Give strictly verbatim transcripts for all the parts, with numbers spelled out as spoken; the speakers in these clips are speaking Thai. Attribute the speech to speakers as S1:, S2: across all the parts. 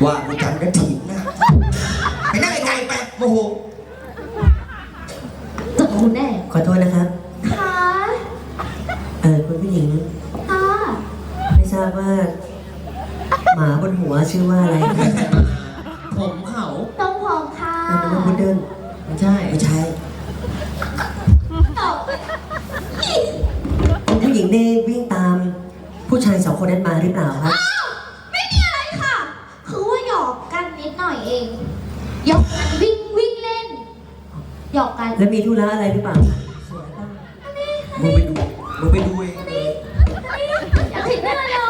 S1: ว่ากูจันก็ถีบนะไปนั่งไกลๆไปโมโห
S2: จะคุณแน่
S3: ขอโทษนะครับ
S2: ค่ะ
S3: เออคุณผู้หญิง
S2: ค่ะ
S3: ไม่ทราบว่าหมาบนหัวชื่อว่าอะไร
S4: ผมเขา
S2: ต้องหอมค่ะ
S3: นึกว่าพุดเดิ้ล
S4: ไม่ใช่
S1: ไม่ใช่
S2: ตอบ
S3: คุณผู้หญิงได้วิ่งตามผู้ชายสองคนนั้นมาหรือเปล่าครับ
S2: ไม่มีอะไรค่ะคือว่าหยอกกันนิดหน่อยเองหยอกกันวิ่งวิ่งเล่นหยอกกัน
S3: แล้วมีธุระอะไรหรือเปล่า
S1: มึงไปดูมึงไปดูเอง
S2: อยากเห็นหน้าเรา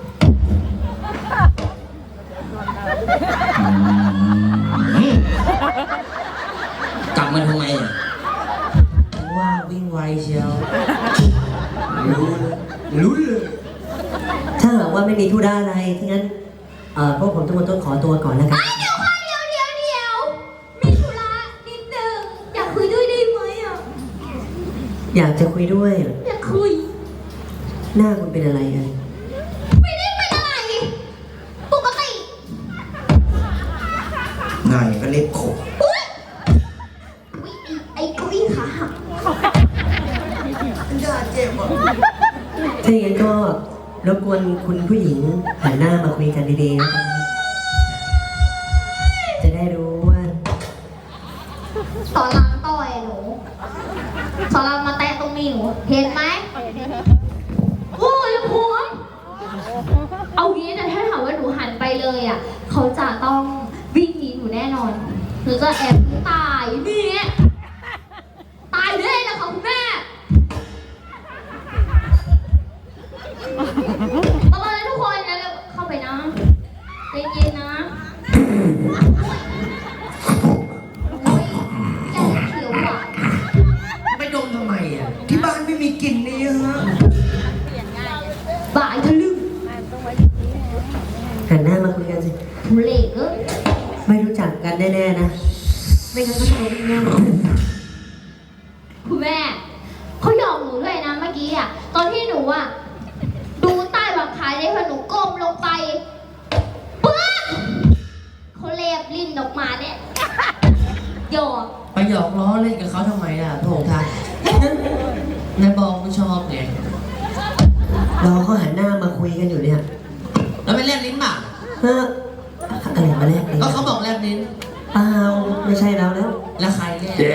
S4: กลับมาทำไมอ่ะว่าวิ่งไวเชียว
S1: รู้เลยรู้เลย
S3: ถ้าหากว่าไม่มีธุระอะไรที่งั้นเอ่อพวกผมทุกคนต้องขอตัวก่อนแล้วกัน
S2: เดี๋ยวค่ะเดี๋ยวเดี๋ยวเดี๋ยวมีธุระนิดนึงอยากคุยด้วยได้ไหมอ่ะ
S3: อยากจะคุยด้วย
S2: อยากคุย
S3: หน้าคุณเป็นอะไรอ่ะ
S2: ไม่ได้เป็นอะไรปกติ
S1: ไงก็เล็บขบ
S2: อุ๊ยไอ้เก้าอี้ขาหัก
S1: มันจะเจ็บอ่ะ
S3: ถ้าอย่างนั้นก็รบกวนคุณผู้หญิงหันหน้ามาคุยกันดีๆนะครับจะได้รู้ว่า
S2: สอนรามต่อยหนูสอนรามมาแตะตรงนี้หนูเห็นไหมโอ้ยผมเอางี้แต่ถ้าถามว่าหนูหันไปเลยอ่ะเขาจะต้องวิ่งหนีหนูแน่นอนหนูจะแอบตายนี่ตายเลยนะคะคุณแม่ประมาณนั้นทุกคนนะเข้าไปนะใจเย็นนะโอ้ยแกเขียวอ่ะ
S4: ไปดมทำไมอ่ะ
S1: ที่บ้านไม่มีกลิ่นนี่ฮะ
S2: บ่ายทะลึ่ง
S3: หันหน้ามาคุยกันสิ
S2: ทุเรศเอ้ย
S3: ไม่รู้จักกันแน่ๆนะไม่งั้นก็จะรู้แน่
S2: คุณแม่เขาหยอกหนูด้วยนะเมื่อกี้อ่ะตอนที่หนูอ่ะดูใต้บังคายได้พอหนูก้มลงไปปึ๊บเขาเล็บลิ้นออกมาเนี่ยหยอก
S4: ไปหยอกล้อเล่นกับเขาทำไมอ่ะโถทัศน์นายบอกไม่ชอบไง
S3: เราเขาหันหน้ามาคุยกันอยู่เนี่ย
S4: แล้วไปแลบลิ้นป่ะ
S3: เฮ้ออะไรมาแลบลิ้น
S4: ก็เขาบอกแลบลิ้น
S3: เปล่าไม่ใช่เราแล้ว
S4: แล้วใครแลบ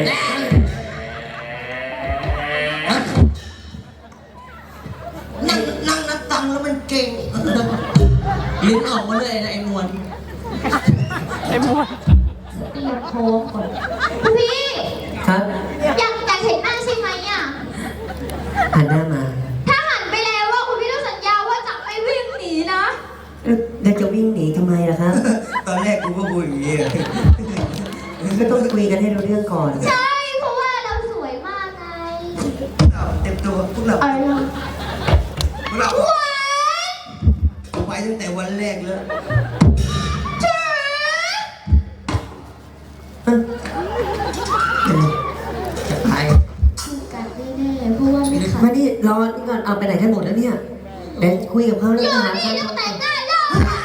S1: นั่งนั่งนับตังค์แล้วมันเก่ง
S4: ลิ้นออกมาเลยนะไอ้มวล
S2: ไอ้มวลตีโค้งก่อนพี่
S3: ครับ
S2: อยากอยากเห็นหน้าใช่ไหมอ่ะ
S3: หันหน้ามา
S2: ถ้าหันไปแล้วว่าคุณพี่ต้องสัญญาว่าจะไม่วิ่งหนีนะ
S3: แล้วจะวิ่งหนีทำไมล่ะครับ
S1: ตอนแรกกูก็พูดอย่างนี้
S3: ก็ต้องคุยกันให้รู้เรื่องก่อน
S2: ใช่เพราะว่าเราสวยมากไง
S1: เต็มตัวพวกเรา
S2: อะไร
S1: พวกเราไปตั้งแต่วันแรกแล้ว
S3: จะไป
S2: กันแน่ๆเพราะว่าไม่ขัด
S3: มาดิรอนี่ก่อนเอาไปไหนกันหมดแล้วเนี่ยเดี๋ยวคุยกับเขาเรื่องอาหาร
S2: กันต้องแต่งหน้าเลย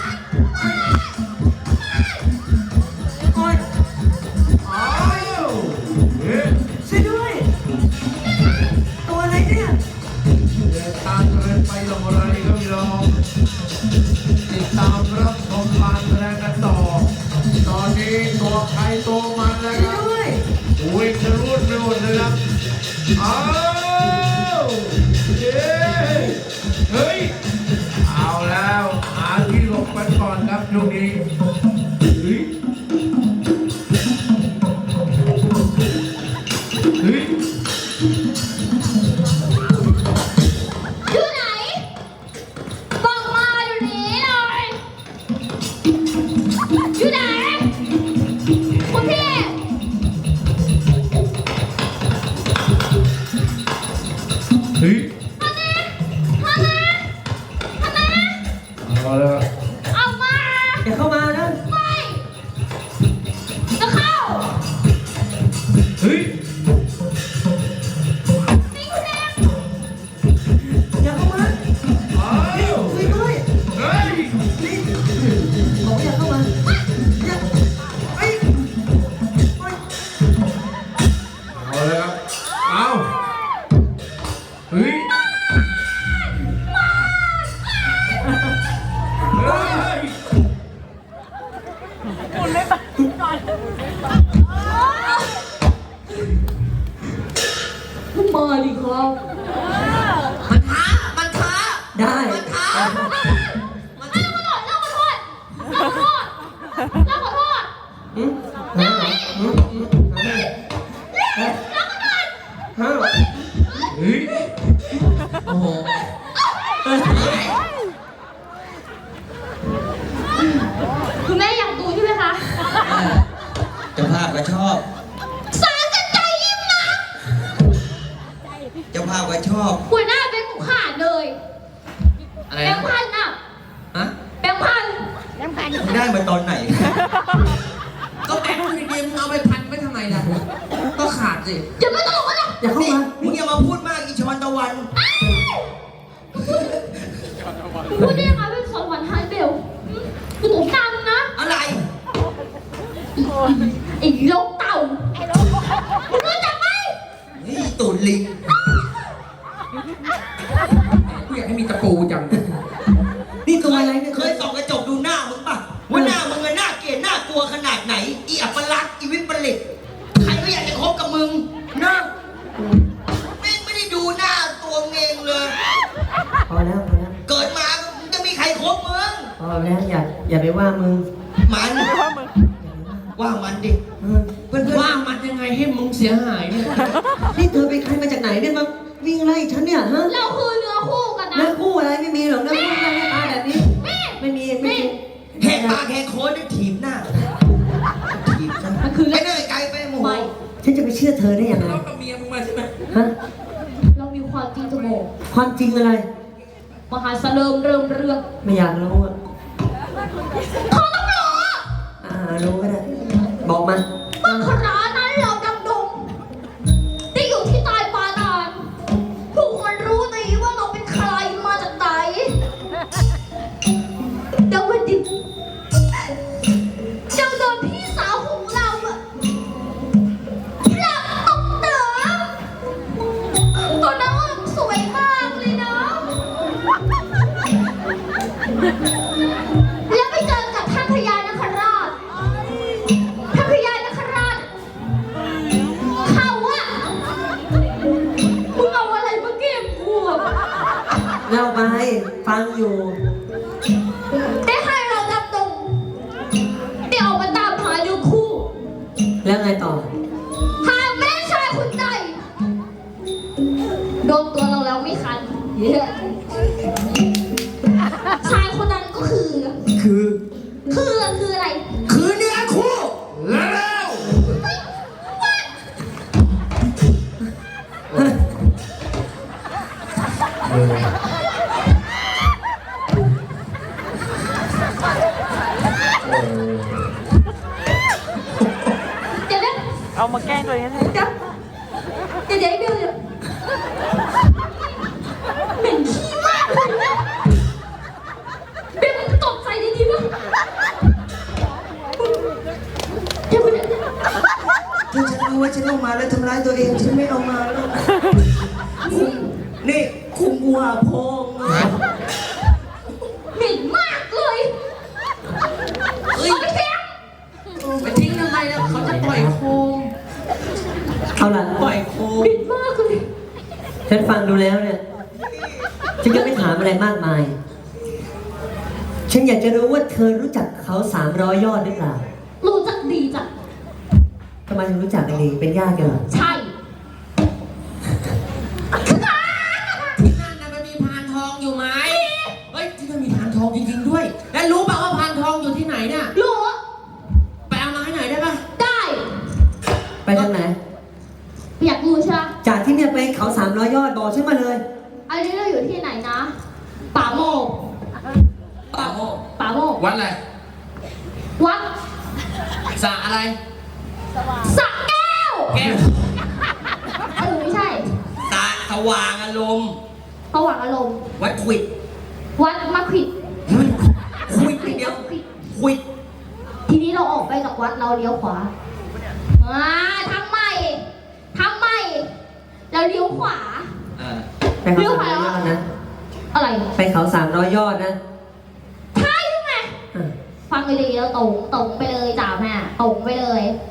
S1: โอ๊ยอ้าวช่วยด้วยตัวอะไรเนี่ย
S5: เดินตามเดินไปลงอะไรก็ไม่ลงติดตามรับชมการแสดงกันต่อตอนนี้ตัวใครตัวมันนะครับอุ้ยจะรุดไปหมดเลยครับอ้าวเย้เฮ้ยเอาแล้วหาที่หลบกันก่อนครับช่วงนี้เฮ้ยเฮ้ย
S2: อยู่ไหนบอกมาอยู่นี้เลยอยู่ไหนคุณพี่
S5: เฮ้ย
S2: มาเน่มาเน่มาเน่
S5: เอาแล้ว
S2: เอามา
S3: อย่าเข้ามานะ
S2: ไม่จะเข้า
S5: เฮ้ย
S2: นี่คุณเอง
S3: อย่าเข้ามา
S5: อ้าว
S3: คุยด้วย
S5: เฮ้ย
S3: บอกอย่าเข้ามา
S2: เรา
S4: มันท้ามันท้า
S3: ได้
S4: มันท้า
S2: มันขอโทษเราขอโทษเราขอโทษเราขอโทษ
S3: อืม
S2: ได้ไหม
S3: อืมอืมอืม
S2: เราขอโทษ
S3: ฮะ
S5: เฮ้ย
S4: โอ้โห
S2: คุณแม่อยากดูใช่ไหมคะ
S6: เจ้าภาพก็ชอบ
S2: สารกันใจยิ้มนะ
S6: เจ้าภาพก็ชอบ
S2: หัวหน้าเป็นหมูขาดเลย
S4: อะไร
S2: แบ
S4: นะ
S2: งค์พันอ่ะ
S4: ฮะ
S2: แบงค์พัน
S6: มึงได้มาตอนไหน
S4: ก็แบงค์ดีๆมึงเอาไปพันไว้ทำไมล่ะ ก็ขาดสิ
S2: อย่ามาตลกกันนะ
S3: อย่าเข้า
S6: นี่
S3: มา
S6: มึงอย่ามาพูดมากอีชอนตะวัน
S2: พูดได้ยังไงเป็นสอนวันไฮเบลกูตกตังนะ
S6: อะไร
S2: ไอ้โลกเต่ามึงรู้จักไหม
S6: นี่ตูดลิง
S5: กูอยากให้มีตะปูจัง
S3: นี่ตัวอะไรเนี่ย
S6: เคยส่องกระจกดูหน้ามึงป่ะ ว่าหน้ามึงอะน่าเกลียดน่ากลัวขนาดไหน อีอัปลักษณ์อีวิปริตใครก็อยากจะคบกับมึงนะแม่งไม่ได้ดูหน้าตัวมึงเองเลย
S3: พอแล้วพอแล้ว
S6: เกิดมามึงจะมีใครคบมึง
S3: พอแล้วอย่าอย่าไปว่ามึง
S6: มันว่ามันดิ
S3: เออ
S6: เพื่อนๆ
S4: ว่ามันยังไงให้มึงเสียหายเนี่ย
S3: นี่เธอเป็นใครมาจากไหนเนี่ยมาวิ่งไล่ฉันเนี่ยฮะ
S2: เราคือเนื้อคู่กันนะ
S3: เนื้อคู่อะไรไม่มีหรอกเนื้อคู่หน้าตาแบบนี้
S2: แม่
S3: ไม่มีไม่มี
S6: แหกปากแหกโค้ดได้ถีบหน้าถีบซะ
S2: มันคือ
S6: ไป
S2: เรื่อง
S6: เนื่อยไกลไปหมู
S2: ไป
S3: ฉันจะไปเชื่อเธอได้ยังไง
S5: แล้วกับเมียมึงมาใช่ไหม
S3: ฮะ
S2: เรามีความจริงจะบอก
S3: ความจริงอะไร
S2: มหาเสลิมเริ่มเรื่อง
S3: ไม่อยากรู้อ่ะ
S2: เขาต้องรู้
S3: อ่ารู้ก็ได้บอกมา
S2: ว่าคณะนั้นเราดำดงได้อยู่ที่ใต้ปาดานทุกคนรู้ดีว่าเราเป็นใครมาจากไหนเดี๋ยววันดิเจ้าโดนพี่สาวของเราอะหลับตกเต๋อตัวน้องสวยมากเลยนะแล้วไปเจอกับท่านพญานคราชท่านพญานคราชเขาอะมึงเอาอะไรมาเก็บกูอะ
S3: เล่าไปฟังอยู่
S2: ได้ให้เราดำดงได้ออกมาตามหาดูคู่
S3: แล้วไงต่อ
S2: หาแม่ชายคนใดโดนตัวเราแล้วไม่คันเย้ชายคนนั้นก็คือ
S3: คือ
S2: คือคืออะไร
S6: คือเนื้อคู่
S5: แล้ว
S2: เดี๋ยวนะ
S7: เอามาแกล้งตัวเองให้
S2: เดี๋ยวเดี๋ยวเดี๋ยวเดี๋ยวเดี๋ยวเหม็นขี้มากเลยนะเบลมึงตกใจดีๆมั้งเดี๋ยวเดี๋ยว
S6: ถ้าฉันรู้ว่าฉันเอามาแล้วทำร้ายตัวเองฉันไม่เอามาแล้วนี่คุมหัวโพง
S2: เหม็นมากเลยเฮ้ยไปแทง
S4: ไปทิ้งทำไมล่ะเขาจะปล่อยโคม
S3: เอาล่ะ
S4: ปล่อยโคม
S2: เหม็นมากเลย
S3: ฉันฟังดูแล้วเนี่ย ฉันจะไม่ถามอะไรมากมาย ฉันอยากจะรู้ว่าเธอรู้จักเขาสามร้อยยอดหรือเปล่า
S2: รู้จักดีจ้ะ
S3: ทำไมถึงรู้จักกันดีเป็นญาติกันเหรอ
S2: ใช่
S4: ที่นั่นน่ะมันมีพานทองอยู่ไหมเฮ้ยที่นั่นมีพานทองจริงๆด้วย แล้วรู้ป่ะว่าพานทองอยู่ที่ไหนเนี่ย
S2: รู้
S4: ไปเอามาให้หน่อยได้ป่ะ
S2: ได้
S3: ไปทางไหน
S2: อยากรู้ใช่ไหม
S3: จากที่เนี่ยไปเขาสามร้อยยอดบอกฉันมาเลย
S2: อันนี้เราอยู่ที่ไหนนะป่าโมก
S4: ป่าโมก
S2: ป่าโมก
S5: วัดอะไร
S2: วัด
S4: สระอะไร
S2: สระแก้ว
S4: แก้ว
S2: เออไม่ใช่
S6: ตาสว่างอารมณ์
S2: ประวัติอารมณ์
S6: วัดควิด
S2: วัดมะขวิด
S6: ควิดอย่างเดียวควิด
S2: ทีนี้เราออกไปจากวัดเราเลี้ยวขวาอ่าทำใหม่ทำใหม่เราเลี้ยวขวา
S6: เออ
S3: ไปเขาสามร้อยยอดนะ
S2: อะไร
S3: ไปเขาสามร้อยยอดนะ
S2: ใช่ใช่ไหม
S3: อ่ะ
S2: ฟังไปดีแล้วตรงตรงไปเลยจ้าแม่ตรงไปเลย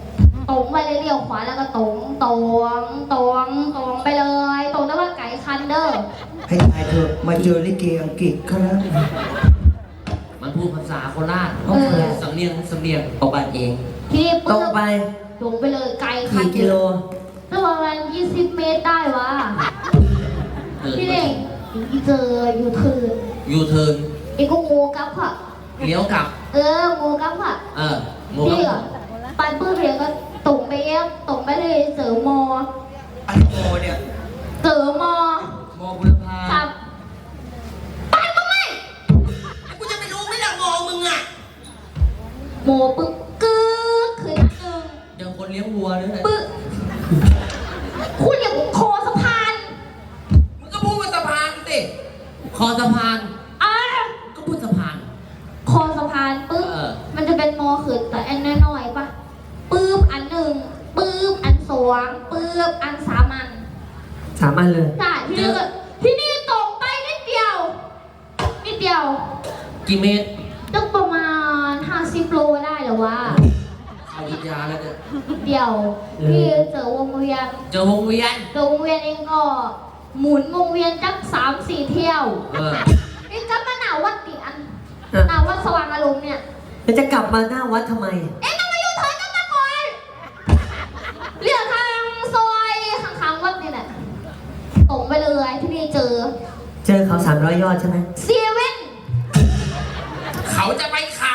S2: ตรงไปเลยเลี้ยวขวาแล้วก็ตรงตรงตรงตรงไปเลยตรงแล้วว่าไก่คันเด้อ
S6: ให้ตายเถอะมาเจอลิเกอังกฤษเขาแล้ว
S4: มันพูดภาษาโคราช
S2: เออ
S4: สำเนียงสำเนียงออกบ้านเอง
S2: ทีนี้
S3: ตร
S2: ปุ๊
S3: ง
S2: บ
S3: ไป
S2: ตรงไปเลยไก่คัน
S3: กี่กิโล
S2: แล้วประมาณยี่สิบเมตรได้วะ
S4: เออ
S2: พี่เน่งเจออยู่คือ
S4: ยูเทิร์น
S2: ไอ้ก็งูกับค่ะ
S4: เลี้ยวกลับ
S2: เอองูกับค่ะ
S4: เออโม
S2: พี่
S4: กั
S2: อ่ะ
S4: บ
S2: ปันปื้มเรียนก็ตรงไปเองตรงไปเลยเสริมมอ
S6: ไอโอเนี่ย
S2: เสริมมอ
S4: โมบุรพา
S2: ครับปันก็ไม่
S6: กูจะไปรู้ไหมล่ะมองมึงอ่ะ
S2: โมปึ๊บกึ๊กขึ้นหนึ่ง
S4: เดี๋ยวคนเลี้ยงวัวด้วยนะ
S2: ปึ๊บคุณอย่าคอสะพาน
S4: มึงก็พูดว่าสะพานสิคอสะพาน
S2: อ่ะ
S4: ก็พูดสะพาน
S2: คอสะพานปึ๊บ
S4: เออ
S2: มันจะเป็นมอขึ้นแต่อันน้อยๆปะปึ๊บอันหนึ่งปึ๊บอันสองปึ๊บอันสามอัน
S3: สามอันเลย
S2: ใช่ที่นี่ก็ที่นี่ตรงไปนิดเดียวนิดเดียว
S4: กี่เมตร
S2: ตึกประมาณห้าสิบโลได้เหรอวะ
S4: เอาวิทยาแล้วเนี่ย
S2: นิดเดียวพี่เจอวงเวียน
S4: เจอวงเวียน
S2: เจอวงเวียนเองก็หมุนวงเวียนจักสามสี่เที่ยว
S4: เออ
S2: นี่ก็มาหนาวัดดิอัน
S3: อ่ะ
S2: หนาวัดสว่างอารมณ์เนี่ย
S3: แล้วจะกลับมาหน้าวัดทำไม
S2: เอ๊ะทำไมอยู่เถินกันมาก่อนเรียกทางซอยข้างๆวัดนี่แหละตรงไปเลยที่นี่เจอ
S3: เจอเขาสามร้อยยอดใช่ไหม
S2: เซเว่น
S4: เขาจะไปเขา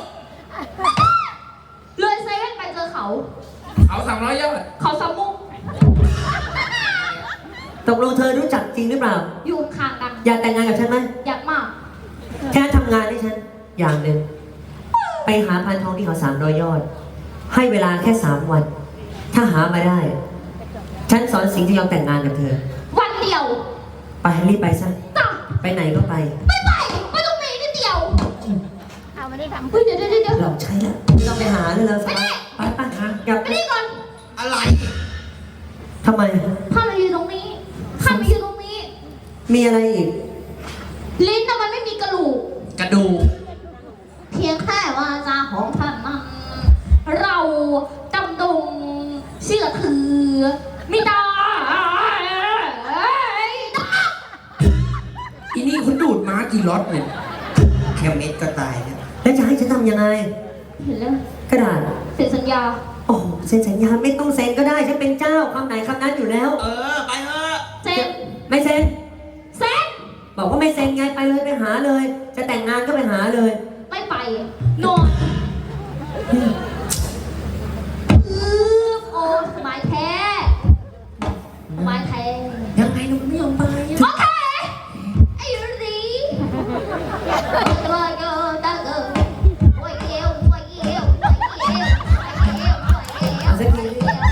S2: เลยเซเว่นไปเจอเขา
S4: เขาสามร้อยยอด
S2: เขาสามมุก
S3: ตกลงเธอรู้จักจริงหรือเปล่า
S2: อยู่ข้างกัน
S3: อยากแต่งงานกับฉันไหม
S2: อยากมาก
S3: แค่ทำงานให้ฉัน อย่างหนึ่ง ไปหาพันทองที่เขาสามร้อยยอด ให้เวลาแค่สามวัน ถ้าหามาได้ ฉันสอนสิงห์จะยอมแต่งงานกับเธอ
S2: วันเดียว
S3: ไปรีบไปซะ
S2: จ้ะ
S3: ไปไหนก็ไป
S2: ไม่ไปไม่ต้องมีนิดเดียวเอาไม่ได้ทำเฮ้ยเดี๋ยวเดี๋ยวเดี๋ยว
S3: หลอกใช้แล้วไม่ต้องไปหาเลยแล้วสบายไปไปหากลับ
S2: ไปนี่ก่อน
S6: อะไร
S3: ทำไม
S2: ถ้ามาอยู่ตรงนี้ถ้ามาอยู่ตรงนี้
S3: มีอะไรอีก
S2: ลิ้นน่ะมันไม่มีกระดูก
S4: กระดูก
S2: เพียงแค่ว่าจาของท่านนั้นเราดำดงเชื่อถือไม่ได้
S4: อีนี่คุณดูดม้ากี่รถเนี่ย
S6: แค่เม็ดก็ตายแล้ว
S3: แล้วจะให้ฉันทำยังไง
S2: เห็นแล้ว
S3: กระดาษ
S2: เซ็นสัญญา
S3: โอ้โหเซ็นสัญญาไม่ต้องเซ็นก็ได้ ฉันเป็นเจ้าคำไหนคำนั้นอยู่แล้ว
S6: เออ ไปเถอะ
S2: เซ็น
S3: ไม่เซ็น
S2: เซ็น
S3: บอกว่าไม่เซ็นไงไปเลยไปหาเลย จะแต่งงานก็ไปหาเลย
S2: ไม่ไปนอนอือโอ้สบายแท้สบายแท้
S4: ยังไงหนูไม่ยอมไปอะ
S2: โอเคไอ้รีตัวเกินตาเกินโอ้ยเอวโอ้ยเอวโอ้ยเอวโอ้ยเอวโอ้ยเอว
S3: เอาสักที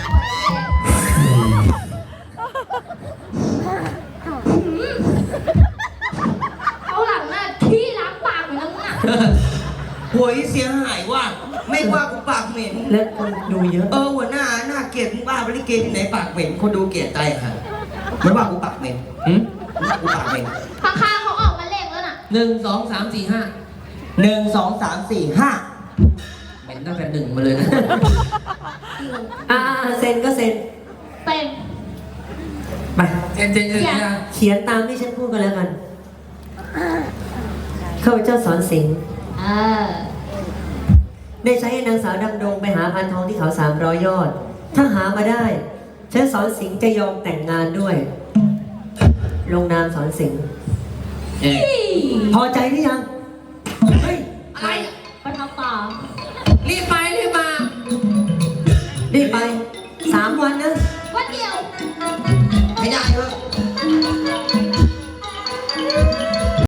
S2: เอาหลังน่ะที่ล้างปากเหมือนนั้นน่ะ
S6: หัวอีเสียหายว่ะไม่ว่ากูปากเหม็น
S3: แล้วคนดูเยอะ
S6: เออหัวหน้าหน้าเกลียดมึงบ้าบริเกที่ไหนปากเหม็นคนดูเกลียดใจค่ะมันว่ากูปากเหม็น
S4: หืม
S6: มันว่ากูปากเหม็น
S2: ข้างๆเขาออกมาเล่งแล้วน่ะ
S4: หนึ่งสองสามสี่ห้า
S6: หนึ่งสองสามสี่ห้า
S4: เป็นตั้งแต่หนึ่งมาเลยนะ
S3: อ่าเซ็นก็เซ็น
S2: เต็ม
S3: ไป
S4: เจนเจนเจนเจน
S3: เขียนตามที่ฉันพูดกันแล้วกันข้าพเจ้าสอนสิงห์
S2: เออ
S3: ได้ใช้ให้นางสาวดำดงไปหาพันทองที่เขาสามร้อยยอด ถ้าหามาได้ ฉันสอนสิงห์จะยอมแต่งงานด้วย ลงนามสอนสิงห์
S4: เอ๊ะ
S3: พอใจหรือยัง
S4: เฮ้ย อะไรอะ
S2: ไปทำต่อ